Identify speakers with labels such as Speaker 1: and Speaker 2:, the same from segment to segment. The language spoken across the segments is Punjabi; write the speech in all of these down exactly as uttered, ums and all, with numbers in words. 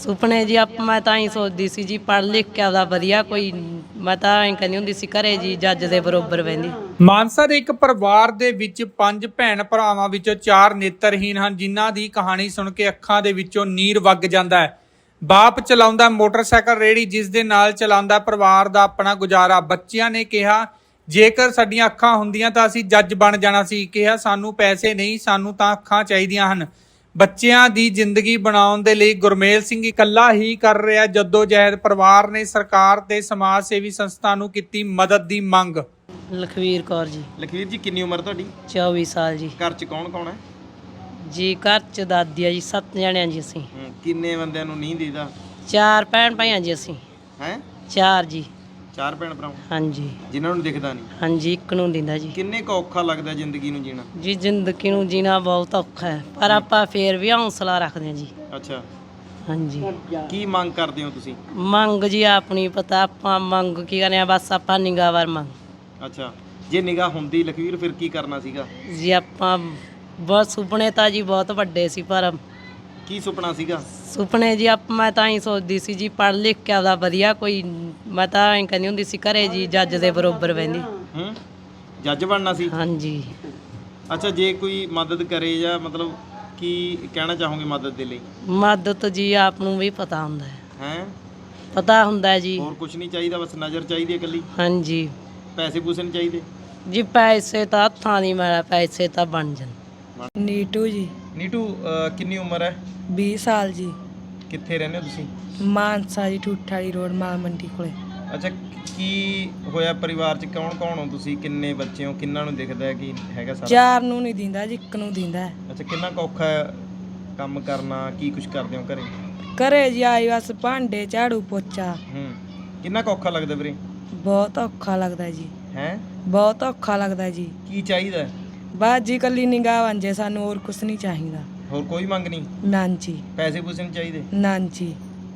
Speaker 1: ਸੁਪਨੇ ਜੀ ਆਪ ਮੈਂ ਤਾਂ ਹੀ ਸੋਚਦੀ ਸੀ ਜੀ ਪੜ੍ਹ ਲਿਖ ਕੇ ਆਪਦਾ ਵਧੀਆ ਕੋਈ ਮੈਂ ਤਾਂ ਐਂ ਕਹਿੰਦੀ ਹੁੰਦੀ ਸੀ ਘਰੇ ਜੀ ਜੱਜ ਦੇ ਬਰੋਬਰ ਬਹਿੰਦੀ।
Speaker 2: ਮਾਨਸਾ ਦੇ ਇੱਕ ਪਰਿਵਾਰ ਦੇ ਵਿੱਚ ਪੰਜ ਭੈਣ ਭਰਾਵਾਂ ਵਿੱਚੋਂ ਚਾਰ ਨੇਤਰਹੀਨ ਹਨ, ਜਿਨ੍ਹਾਂ ਦੀ ਕਹਾਣੀ ਸੁਣ ਕੇ ਅੱਖਾਂ ਦੇ ਵਿੱਚੋਂ ਨੀਰ ਵਗ ਜਾਂਦਾ ਹੈ। ਬਾਪ ਚਲਾਉਂਦਾ ਮੋਟਰਸਾਈਕਲ ਰੇਹੜੀ, ਜਿਸ ਦੇ ਨਾਲ ਚਲਾਉਂਦਾ ਪਰਿਵਾਰ ਦਾ ਆਪਣਾ ਗੁਜ਼ਾਰਾ। ਬੱਚਿਆਂ ਨੇ ਕਿਹਾ ਜੇਕਰ ਸਾਡੀਆਂ ਅੱਖਾਂ ਹੁੰਦੀਆਂ ਤਾਂ ਅਸੀਂ ਜੱਜ ਬਣ ਜਾਣਾ ਸੀ। ਕਿਹਾ ਸਾਨੂੰ ਪੈਸੇ ਨਹੀਂ, ਸਾਨੂੰ ਤਾਂ ਅੱਖਾਂ ਚਾਹੀਦੀਆਂ ਹਨ। ਬੱਚਿਆਂ ਦੀ ਜ਼ਿੰਦਗੀ ਬਣਾਉਣ ਦੇ ਲਈ ਗੁਰਮੇਲ ਸਿੰਘ ਇਕੱਲਾ ਹੀ ਕਰ ਰਿਹਾ ਜੱਦੋ ਜਹਿਦ। ਪਰਿਵਾਰ ਨੇ ਸਰਕਾਰ ਤੇ ਸਮਾਜ ਸੇਵੀ ਸੰਸਥਾ ਨੂੰ ਕੀਤੀ ਮਦਦ ਦੀ ਮੰਗ।
Speaker 1: ਲਖਵੀਰ ਕੌਰ ਜੀ।
Speaker 3: ਲਖਵੀਰ ਜੀ ਕਿੰਨੀ ਉਮਰ ਤੁਹਾਡੀ?
Speaker 1: ਚੌਵੀ ਸਾਲ ਜੀ।
Speaker 3: ਘਰ 'ਚ ਕੌਣ ਕੌਣ ਹੈ
Speaker 1: ਜੀ ਘਰ 'ਚ ਦਾਦੀ ਆ ਜੀ, ਸੱਤ ਜਣਿਆਂ ਜੀ ਅਸੀਂ।
Speaker 3: ਕਿੰਨੇ ਬੰਦਿਆਂ ਨੂੰ ਨਹੀਂ ਦੀਦਾ?
Speaker 1: ਚਾਰ ਭੈਣ ਭਾਈਆਂ ਜੀ ਅਸੀਂ।
Speaker 3: ਹੈ
Speaker 1: ਚਾਰ ਜੀ।
Speaker 3: ਚਾਰ ਭੈਣ ਭਰਾ
Speaker 1: ਹਾਂਜੀ
Speaker 3: ਜਿਨ੍ਹਾਂ ਨੂੰ ਦਿਖਦਾ ਨਹੀਂ?
Speaker 1: ਹਾਂਜੀ, ਇੱਕ ਨੂੰ ਦਿੰਦਾ ਜੀ।
Speaker 3: ਕਿੰਨੇ ਕੁ ਔਖਾ ਲੱਗਦਾ ਜ਼ਿੰਦਗੀ ਨੂੰ ਜੀਣਾ?
Speaker 1: ਜੀ ਜ਼ਿੰਦਗੀ ਨੂੰ ਜੀਣਾ ਬਹੁਤ ਔਖਾ ਹੈ, ਪਰ ਆਪਾਂ ਫੇਰ ਵੀ ਹੌਸਲਾ ਰੱਖਦੇ ਹਾਂ ਜੀ।
Speaker 3: ਅੱਛਾ,
Speaker 1: ਹਾਂਜੀ।
Speaker 3: ਕੀ ਮੰਗ ਕਰਦੇ ਹੋ ਤੁਸੀਂ?
Speaker 1: ਮੰਗ ਜੀ ਆਪਣੀ ਪਤਾ ਆਪਾਂ ਮੰਗ ਕੀ ਕਰਨੇ ਆ, ਬਸ ਆਪਾਂ ਨਿਗਾਹ ਵਾਰ ਮੰਗ।
Speaker 3: ਅੱਛਾ, ਜੇ ਨਿਗਾਹ ਹੁੰਦੀ ਲਖਵੀਰ ਫਿਰ ਕੀ ਕਰਨਾ ਸੀਗਾ?
Speaker 1: ਜੀ ਆਪਾਂ ਬਹੁਤ ਸੁਪਨੇ ਤਾਂ ਜੀ ਬਹੁਤ ਵੱਡੇ ਸੀ, ਪਰ
Speaker 3: ਕੀ ਸੁਪਨਾ ਸੀਗਾ?
Speaker 1: ਸੁਪਨੇ ਜੀ ਆਪ ਮੈਂ ਤਾਂ ਹੀ ਸੋਚਦੀ ਸੀ ਜੀ ਪੜ੍ਹ ਲਿਖ ਕੇ ਆਪਦਾ ਵਧੀਆ ਕੋਈ ਮੈਂ ਤਾਂ ਐਂ ਕਹਿੰਦੀ ਹੁੰਦੀ ਸੀ ਘਰੇ ਜੀ ਜੱਜ ਦੇ ਬਰੋਬਰ ਬਹਿੰਦੀ।
Speaker 3: ਹੂੰ, ਜੱਜ ਬਣਨਾ ਸੀ?
Speaker 1: ਹਾਂਜੀ।
Speaker 3: ਅੱਛਾ, ਜੇ ਕੋਈ ਮਦਦ ਕਰੇ ਜਾਂ ਮਤਲਬ ਕੀ ਕਹਿਣਾ ਚਾਹੋਗੇ ਮਦਦ ਦੇ ਲਈ?
Speaker 1: ਮਦਦ ਜੀ ਆਪ ਨੂੰ ਵੀ ਪਤਾ ਹੁੰਦਾ ਹੈ।
Speaker 3: ਹੈ
Speaker 1: ਪਤਾ ਹੁੰਦਾ ਜੀ।
Speaker 3: ਹੋਰ ਕੁਝ ਨਹੀਂ ਚਾਹੀਦਾ, ਬਸ ਨਜ਼ਰ ਚਾਹੀਦੀ ਹੈ ਇਕੱਲੀ?
Speaker 1: ਹਾਂਜੀ।
Speaker 3: ਪੈਸੇ ਪੂਸੇ ਨਹੀਂ ਚਾਹੀਦੇ?
Speaker 1: ਜੀ ਪੈਸੇ ਤਾਂ ਹੱਥਾਂ ਦੀ ਮੈਲ, ਪੈਸੇ ਤਾਂ ਬਣ ਜਾਣ।
Speaker 4: ਨੀਟੂ ਜੀ।
Speaker 3: ਨੀਟੂ, ਅਹ, ਕਿੰਨੀ ਉਮਰ ਹੈ?
Speaker 4: ਵੀਹ ਸਾਲ ਜੀ।
Speaker 3: ਕਿੱਥੇ ਰਹਿੰਦੇ ਹੋ ਤੁਸੀਂ?
Speaker 4: ਮਾਨਸਾ ਜੀ, ਠੂਠਾ ਵਾਲੀ ਰੋਡ, ਮਾਲ ਮੰਡੀ ਕੋਲੇ।
Speaker 3: ਅੱਛਾ, ਕੀ ਹੋਇਆ ਪਰਿਵਾਰ 'ਚ ਕੌਣ ਕੌਣ ਹੋ ਤੁਸੀਂ? ਕਿੰਨੇ ਬੱਚੇ ਹੋ? ਕਿੰਨਾਂ ਨੂੰ ਦਿਖਦਾ ਹੈ ਕਿ ਹੈਗਾ ਸਾਰਾ?
Speaker 4: ਚਾਰ ਨੂੰ ਨਹੀਂ ਦਿੰਦਾ ਜੀ, ਇੱਕ ਨੂੰ ਦਿੰਦਾ।
Speaker 3: ਅੱਛਾ, ਕਿੰਨਾ ਕੁ ਔਖਾ ਹੈ ਕੰਮ ਕਰਨਾ? ਕੀ ਕੁਝ ਕਰਦੇ ਹੋ ਘਰੇ?
Speaker 4: ਘਰੇ ਜੀ ਆਈ ਬਸ ਭਾਂਡੇ ਝਾੜੂ ਪੋਚਾ।
Speaker 3: ਹੂੰ, ਕਿੰਨਾ ਕੁ ਔਖਾ ਲੱਗਦਾ ਵੀਰੇ?
Speaker 4: ਬਹੁਤ ਔਖਾ ਲੱਗਦਾ ਜੀ।
Speaker 3: ਹੈ
Speaker 4: ਬਹੁਤ ਔਖਾ ਲੱਗਦਾ ਜੀ।
Speaker 3: ਕੀ ਚਾਹੀਦਾ?
Speaker 4: ਬਸ ਜੀ ਕੱਲੀ ਨਿਗਾਹ ਬਣ ਜੇ ਸਾਨੂੰ, ਹੋਰ ਕੁਛ ਨਹੀਂ ਚਾਹੀਦਾ।
Speaker 3: ਹੋਰ ਕੋਈ ਮੰਗ ਨਹੀਂ?
Speaker 4: ਨਾਂ ਜੀ।
Speaker 3: ਪੈਸੇ ਪੂਸੇ ਨਹੀਂ ਚਾਹੀਦੇ?
Speaker 4: ਨਾਂ ਜੀ।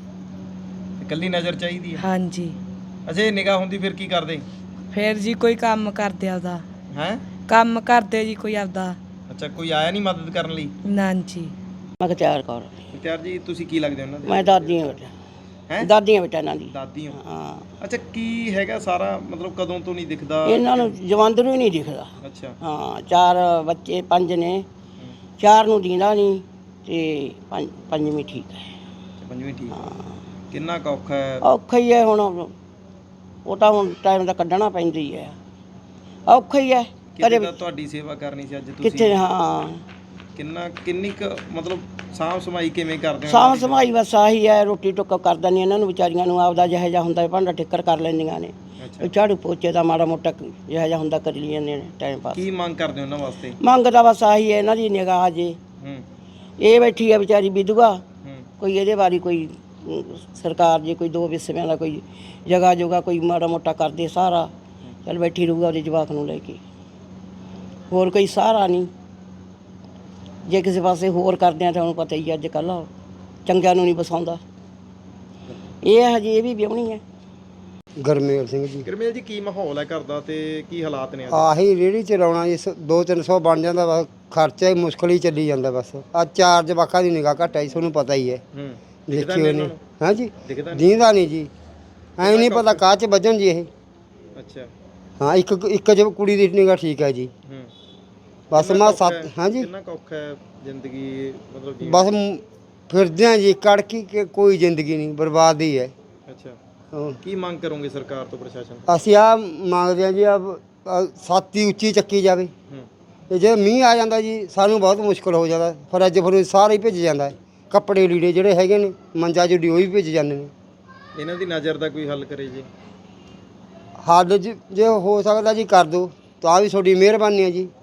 Speaker 3: ਇਕੱਲੀ ਨਜ਼ਰ ਚਾਹੀਦੀ ਹੈ?
Speaker 4: ਹਾਂਜੀ।
Speaker 3: ਅੱਛਾ, ਇਹ ਨਿਗਾਹ ਹੁੰਦੀ ਫਿਰ ਕੀ ਕਰਦੇ?
Speaker 4: ਫਿਰ ਜੀ ਕੋਈ ਕੰਮ ਕਰਦੇ ਆਪਦਾ।
Speaker 3: ਹੈ
Speaker 4: ਕੰਮ ਕਰਦੇ ਜੀ ਕੋਈ ਆਪਦਾ।
Speaker 3: ਅੱਛਾ, ਕੋਈ ਆਇਆ ਨਹੀਂ ਮਦਦ ਕਰਨ ਲਈ?
Speaker 4: ਨਾਂ ਜੀ।
Speaker 5: ਮਖਤਿਆਰ ਕੌਰ।
Speaker 3: ਮੁਖਤਿਆਰ ਜੀ, ਤੁਸੀਂ ਕੀ ਲੱਗਦੇ ਹੋ ਉਹਨਾਂ ਦੇ?
Speaker 5: ਮੈਂ ਦਾਦੀ ਹਾਂ ਬੇਟਾ।
Speaker 3: ਹੈ
Speaker 5: ਦਾਦੀ ਹਾਂ ਬੇਟਾ ਇਹਨਾਂ ਦੀ।
Speaker 3: ਦਾਦੀ ਹੋ?
Speaker 5: ਹਾਂ।
Speaker 3: ਅੱਛਾ, ਕੀ ਹੈਗਾ ਸਾਰਾ ਮਤਲਬ ਕਦੋਂ ਤੋਂ ਨਹੀਂ ਦਿਖਦਾ?
Speaker 5: ਇਹਨਾਂ ਨੂੰ ਜਵੰਦਰੂ ਹੀ ਨਹੀਂ ਦਿਖਦਾ।
Speaker 3: ਅੱਛਾ।
Speaker 5: ਹਾਂ, ਚਾਰ ਬੱਚੇ ਪੰਜ ਨੇ, ਚਾਰ ਨੂੰ ਦਿੰਦਾ ਨਹੀਂ ਤੇ ਪੰਜ ਪੰਜਵੀਂ ਠੀਕ ਹੈ।
Speaker 3: ਅੱਛਾ, ਪੰਜਵੀਂ ਠੀਕ ਹੈ। ਕਿੰਨਾ ਕੁ ਔਖਾ ਹੈ?
Speaker 5: ਔਖਾ ਹੀ ਹੈ ਹੁਣ, ਉਹ ਤਾਂ ਹੁਣ ਟਾਈਮ ਦਾ ਕੱਢਣਾ ਪੈਂਦਾ ਹੀ ਹੈ। ਔਖਾ ਹੀ ਹੈ।
Speaker 3: ਕਿਤੇ ਤਾਂ ਤੁਹਾਡੀ ਸੇਵਾ ਕਰਨੀ ਸੀ ਅੱਜ ਤੁਸੀਂ।
Speaker 5: ਕਿੱਥੇ? ਹਾਂ।
Speaker 3: ਕਿੰਨਾ ਕਿੰਨੀ ਕੁ ਮਤਲਬ ਸਾਂਭ ਸਮਾਈ ਕਿਵੇਂ ਕਰਦੇ ਹੋ?
Speaker 5: ਸਾਂਭ ਸੰਭਾਈ ਬਸ ਆਹੀ ਹੈ, ਰੋਟੀ ਟੁੱਕ ਕਰ ਦਿੰਦੀ ਇਹਨਾਂ ਨੂੰ ਵਿਚਾਰੀਆਂ ਨੂੰ, ਆਪਦਾ ਜਿਹੋ ਜਿਹਾ ਹੁੰਦਾ ਭਾਂਡਾ ਠਿੱਕਰ ਕਰ ਲੈਂਦੀਆਂ ਨੇ।
Speaker 3: ਅੱਛਾ,
Speaker 5: ਝਾੜੂ ਪੋਚੇ ਦਾ ਮਾੜਾ ਮੋਟਾ ਜਿਹੋ ਜਿਹਾ ਹੁੰਦਾ ਕਰ ਲਈ ਜਾਂਦੇ ਨੇ ਟਾਈਮ ਪਾਸ।
Speaker 3: ਕੀ ਮੰਗ ਕਰਦੇ ਹੋ ਉਹਨਾਂ ਵਾਸਤੇ?
Speaker 5: ਮੰਗ ਤਾਂ ਬਸ ਆਹੀ ਹੈ ਇਹਨਾਂ ਦੀ ਨਿਗਾਹ ਜੇ।
Speaker 3: ਹੂੰ
Speaker 5: ਇਹ ਬੈਠੀ ਆ ਵਿਚਾਰੀ ਵਿਧਵਾ,
Speaker 3: ਹੂੰ
Speaker 5: ਕੋਈ ਇਹਦੇ ਬਾਰੇ ਕੋਈ ਅਮ, ਸਰਕਾਰ ਜੇ ਕੋਈ ਦੋ ਵਿਸਵਿਆਂ ਦਾ ਕੋਈ ਜਗ੍ਹਾ ਜੋਗਾ ਕੋਈ ਮਾੜਾ ਮੋਟਾ ਕਰਦੇ ਸਹਾਰਾ, ਚੱਲ ਬੈਠੀ ਰਹੂਗਾ ਉਹਦੇ ਜਵਾਕ ਨੂੰ ਲੈ ਕੇ, ਹੋਰ ਕੋਈ ਸਹਾਰਾ ਨਹੀਂ। ਜੇ ਕਿਸੇ ਪਾਸੇ ਹੋਰ ਕਰਦੇ ਆ ਤਾਂ ਉਹਨੂੰ ਪਤਾ ਹੀ ਅੱਜ ਕੱਲ੍ਹ ਚੰਗਿਆਂ ਨੂੰ ਨਹੀਂ ਬਸਾਉਂਦਾ। ਇਹ ਹਜੇ ਇਹ ਵੀ ਵਿਆਹੁਣੀ ਹੈ।
Speaker 6: ਗੁਰਮੇਲ ਸਿੰਘ ਜੀ।
Speaker 3: ਗੁਰਮੇਲ ਜੀ, ਕੀ ਮਾਹੌਲ ਹੈ ਘਰ ਦਾ ਤੇ ਕੀ ਹਾਲਾਤ ਨੇ ਅੱਜ?
Speaker 6: ਆਹੀ ਰੇਹੜੀ ਚਲਾਉਣਾ ਜੀ, ਦੋ ਤਿੰਨ ਸੌ ਬਣ ਜਾਂਦਾ ਬਸ, ਖਰਚਾ ਹੀ ਮੁਸ਼ਕਲ ਹੀ ਚੱਲੀ ਜਾਂਦਾ ਬਸ। ਆ ਚਾਰ ਜਵਾਕਾਂ ਦੀ ਨਿਗਾਹ ਘੱਟ ਆਈ, ਤੁਹਾਨੂੰ ਪਤਾ ਹੀ ਹੈ।
Speaker 3: ਹੂੰ,
Speaker 6: ਦੇਖੀ ਉਹਨੇ। ਹਾਂ ਜੀ,
Speaker 3: ਦਿਖਦਾ ਨਹੀਂ?
Speaker 6: ਦੀਂਦਾ ਨਹੀਂ ਜੀ, ਐਂ ਨਹੀਂ ਪਤਾ ਕਾਹ 'ਚ ਵੱਜਣ ਜੀ ਇਹ।
Speaker 3: ਅੱਛਾ।
Speaker 6: ਹਾਂ, ਇੱਕ ਇੱਕ ਜ ਕੁੜੀ ਦੀ ਨਿਗਾਹ ਠੀਕ ਹੈ ਜੀ।
Speaker 3: ਹੂੰ,
Speaker 6: ਬਸ
Speaker 3: ਕਿੰਨਾ
Speaker 6: ਮੈਂ
Speaker 3: ਕੁ ਔਖਾ
Speaker 6: ਸੱਤ
Speaker 3: ਹੈ?
Speaker 6: ਹਾਂ ਜੀ,
Speaker 3: ਕਿੰਨਾ ਕੁ ਔਖਾ ਹੈ ਜ਼ਿੰਦਗੀ ਮਤਲਬ ਜੀਣਾ?
Speaker 6: ਬਸ ਮ- ਫਿਰਦੇ ਹਾਂ ਜੀ ਕੜਕੀ ਕਿ ਕੋਈ ਜ਼ਿੰਦਗੀ ਨਹੀਂ, ਬਰਬਾਦ ਹੀ ਹੈ।
Speaker 3: ਅੱਛਾ,
Speaker 6: ਹਾਂ।
Speaker 3: ਕੀ ਮੰਗ ਕਰੋਗੇ ਸਰਕਾਰ ਤੋਂ, ਪ੍ਰਸ਼ਾਸਨ ਤੋਂ?
Speaker 6: ਅਸੀਂ ਆ ਮੰਗਦੇ ਹਾਂ ਜੀ, ਆ ਛਾਤੀ ਉੱਚੀ ਚੱਕੀ ਜਾਵੇ।
Speaker 3: ਹੂੰ,
Speaker 6: ਤੇ ਜੇ ਮੀਂਹ ਆ ਜਾਂਦਾ ਜੀ ਸਾਨੂੰ ਬਹੁਤ ਮੁਸ਼ਕਲ ਹੋ ਜਾਂਦਾ, ਫਰਿੱਜ ਫਰੂਜ ਸਾਰਾ ਹੀ ਭਿੱਜ ਜਾਂਦਾ ਹੈ। ਕੱਪੜੇ ਲੀੜੇ ਜਿਹੜੇ ਹੈਗੇ ਨੇ ਮੰਜਾ ਜੁੜੀ ਉਹ ਵੀ ਭਿੱਜ ਜਾਂਦੇ ਨੇ।
Speaker 3: ਇਹਨਾਂ ਦੀ ਨਜ਼ਰ ਦਾ ਕੋਈ ਹੱਲ ਕਰੇ ਜੀ।
Speaker 6: ਹੱਲ ਜ- ਜੇ ਹੋ ਸਕਦਾ ਜੀ ਕਰ ਦਿਓ ਤਾਂ ਵੀ ਤੁਹਾਡੀ ਮਿਹਰਬਾਨੀ ਹੈ ਜੀ।